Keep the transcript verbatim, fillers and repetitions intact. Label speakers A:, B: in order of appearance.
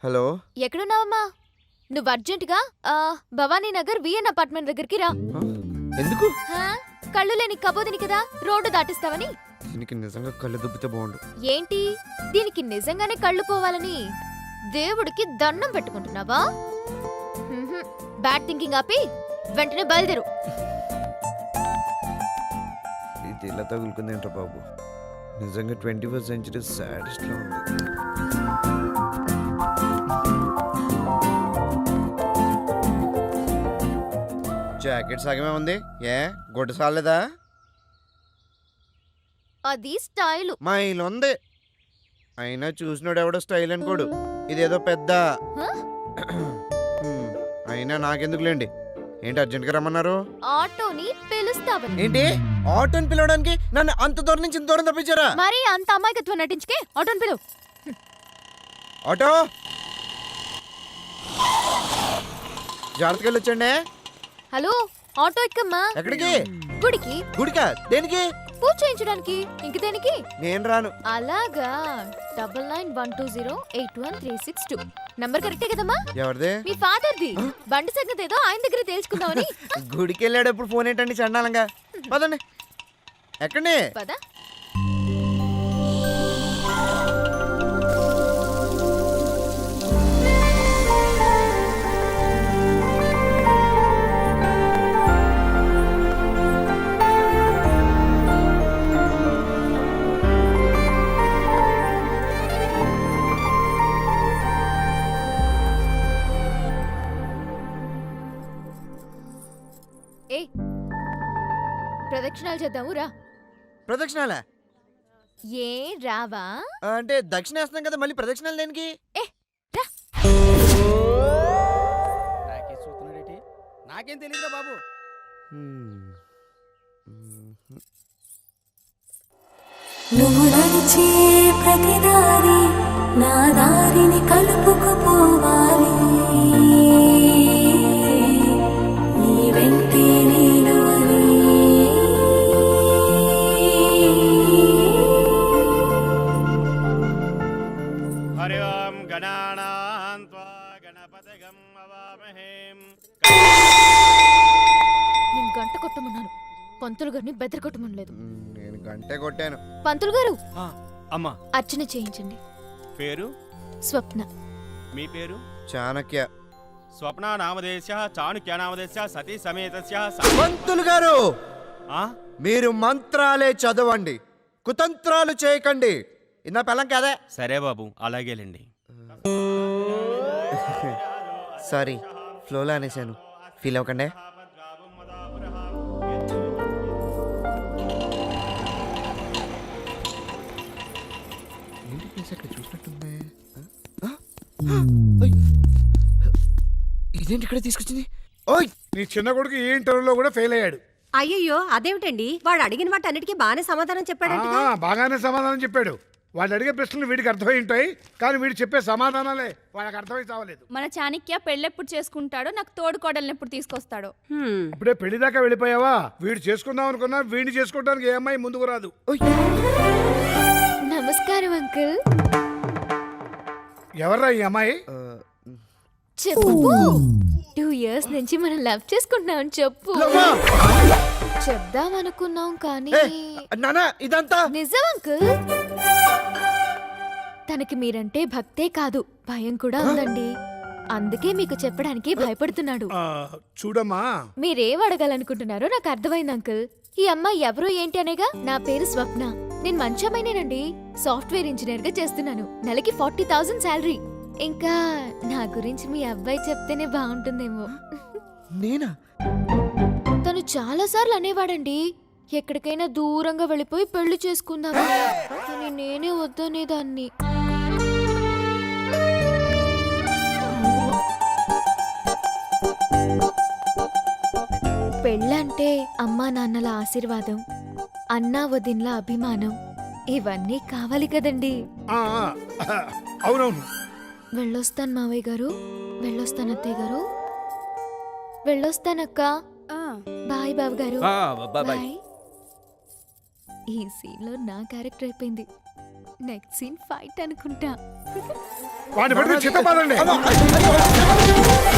A: Hello,
B: ఎక్కడున్నావమ్మా? నువ్వు అర్జెంటుగా ఆ, భవానీ నగర్ విఎన్ అపార్ట్మెంట్ దగ్గరికి రా.
A: ఎందుకు?
B: హా? కళ్ళు లేని కబోదిని కదా, రోడ్డు దాటిస్తావని.
A: దీనికి నిజంగా కళ్ళు దుబ్బితే బాగుండు.
B: ఏంటి, దీనికి నిజంగానే కళ్ళు పోవాలని దేవుడికి దండం పెట్టుకుంటున్నావా? మ్మ్హ్మ్. బ్యాడ్ థింకింగ్ ఆపి వెంటనే బయలుదేరు.
A: ఇది ఇలా తగులుకుందేంట్రా బాబు, నిజంగా ట్వంటీ ఫస్ట్ సెంచరీ సాడెస్ట్ లో ఉంది. జాకెట్ సగమే ఉంది, ఏ గుడ్డ సాలేదా?
B: అది స్టైలు.
A: మా ఇల్లు ఉంది, అయినా చూసినోడు ఎవడో స్టైల్ అనుకోడు, ఇదేదో పెద్ద.
B: హ?
A: హ్మ్, అయినా నాకెందుకులేండి. ఏంటి అర్జెంట్గా రమ్మన్నారు?
B: ఆటోని పిలుస్తావని.
A: ఏంటి ఆటోని పిలవడానికి నన్ను అంత దూరం నుంచి ఇంత దూరం తప్పించారా?
B: మరి అంత అమాయకత్వం నటించుకే ఆటోని పిలువు.
A: ఆటో జాగ్రత్తగా వెళ్ళొచ్చండి.
B: హలో, ఆటో ఎక్కమ్మా.
A: ఎక్కడికి?
B: గుడికి.
A: గుడికా? దేనికి?
B: పూజ చేయించడానికి. ఇంక దేనికి?
A: నేను రాను.
B: అలాగా. Double nine one two zero eight one three six two number కరెక్టే కదమ్మా?
A: ఎవరిది?
B: మీ ఫాదర్ది. బండి సంగతి ఏదో ఆయన దగ్గర తెలుసుకుందామని.
A: గుడికి వెళ్ళేటప్పుడు ఫోన్ ఏంటండి చండాలంగా? పదండి. ఎక్కడి?
B: పద. ఏ ప్రదక్షిణాలు చేద్దాము రా.
A: ప్రదక్షిణాలా?
B: ఏ రావా?
A: అంటే దక్షిణ వేస్తున్నాం కదా, మళ్ళీ ప్రదక్షిణాలు దేనికి?
B: ఏ రా.
C: నాకే చూస్తున్నాడేటి, నాకేం తెలియదురా బాబు.
D: నువ్వు నడిచే ప్రతి దారి నా దారిని కలుపుకుపోవాలి, నీ వెంటే నేను అని.
C: హరి ఓం గణానాం త్వా గణపతిగం అవామహేం.
B: నేను గంట కొట్టమన్నాను, పంతులు గారిని బెదర కొట్టమనలేదు.
A: నేను గంటే కొట్టాను.
B: పంతులు గారు,
C: ఆ, అమ్మా
B: అర్చన చేయించండి.
C: పేరు?
B: స్వప్న.
C: మీ పేరు?
A: చాణక్య.
C: స్వప్న నామదేశ చాణుక్య నామదేశ సతీ సమేతస్య స-
A: పంతులు గారు,
C: ఆ?
A: మీరు మంత్రాలే చదవండి, కుతంత్రాలు చేయకండి. ఇన్న పెళ్ళం కాదే.
C: సరే బాబు, అలాగేలేండి.
A: సారీ, ఫ్లోలో అనేసాను, ఫీల్ అవ్వకండి. ఇదేంటి ఇక్కడ తీసుకొచ్చింది? ఓయ్,
E: నీ చిన్న కొడుకు ఈ ఇంటర్వ్యూలో కూడా ఫెయిల్ అయ్యాడు.
F: అయ్యయ్యో, అదేమిటండి? వాడు అడిగిన వాటి అన్నిటికీ బాగానే సమాధానం చెప్పాడంట.
E: ఆ, బాగానే సమాధానం చెప్పాడు. వాళ్ళు అడిగే ప్రశ్నలు వీడికి అర్థమై ఉంటాయి, కానీ వీడు చెప్పే సమాధానాలే వాళ్ళకి అర్థమై చావలేదు.
G: మన చాణక్య పెళ్ళెప్పుడు చేసుకుంటాడో, నాకు తోడు కోడల్ని ఎప్పుడు తీసుకొస్తాడో.
F: హ్మ్.
E: ఇప్పుడే పెళ్లి దాకా వెళ్ళిపోయావా? వీడు చేసుకుందాం అనుకున్నా వీడిని చేసుకోవడానికి ఏ అమ్మాయి ముందుకు రాదు.
B: నమస్కారం అంకుల్.
E: ఎవర్రా ఈ అమ్మాయి?
B: చెప్పు. టూ ఇయర్స్ నుంచి మనం లవ్ చేసుకుంటున్నాం. చెప్పు. చెప్దాం అనుకున్నాం కానీ
A: నానా, ఇదంతా
B: నిజం అంకుల్. తనకి మీరంటే భక్తే కాదు, భయం కూడా ఉందండి. అందుకే మీకు చెప్పడానికి భయపడుతున్నాడు.
E: ఆ, చూడమ్మా,
B: మీరేం అడగాలనుకుంటున్నారో నాకు అర్థమైంది అంకుల్. ఈ అమ్మాయి ఎవరో ఏంటి అనేగా. నా పేరు స్వప్న. నేను మంచి అమ్మాయినేనండి. సాఫ్ట్వేర్ ఇంజనీర్ గా చేస్తున్నాను. నెలకి ఫార్టీ థౌసండ్ శాలరీ. ఇంకా నా గురించి మీ అబ్బాయి చెప్తేనే బాగుంటుందేమో.
A: నేనా?
B: తను చాలా సార్లు అనేవాడండి, ఎక్కడికైనా దూరంగా వెళ్ళిపోయి పెళ్లి చేసుకుందామా. కానీ నేనే వద్దనేదాన్ని. పెళ్ళంటే అమ్మా నాన్నల ఆశీర్వాదం, అన్నా వదిన్ల అభిమానం, ఇవన్నీ కావాలి కదండి.
E: ఆ, ఆ, అవునవును.
B: వెళ్ళొస్తాను మావయ్య గారు, వెళ్ళొస్తాను అత్తయ్య గారు, వెళ్ళొస్తానక్క. బాయ్ బాబు గారు. బాయ్. ఈ సీన్ లో నా క్యారెక్టర్ అయిపోయింది. నెక్స్ట్ సీన్ ఫైట్ అనుకుంటా.
E: వాడిని పడితే చిత్తపాదండి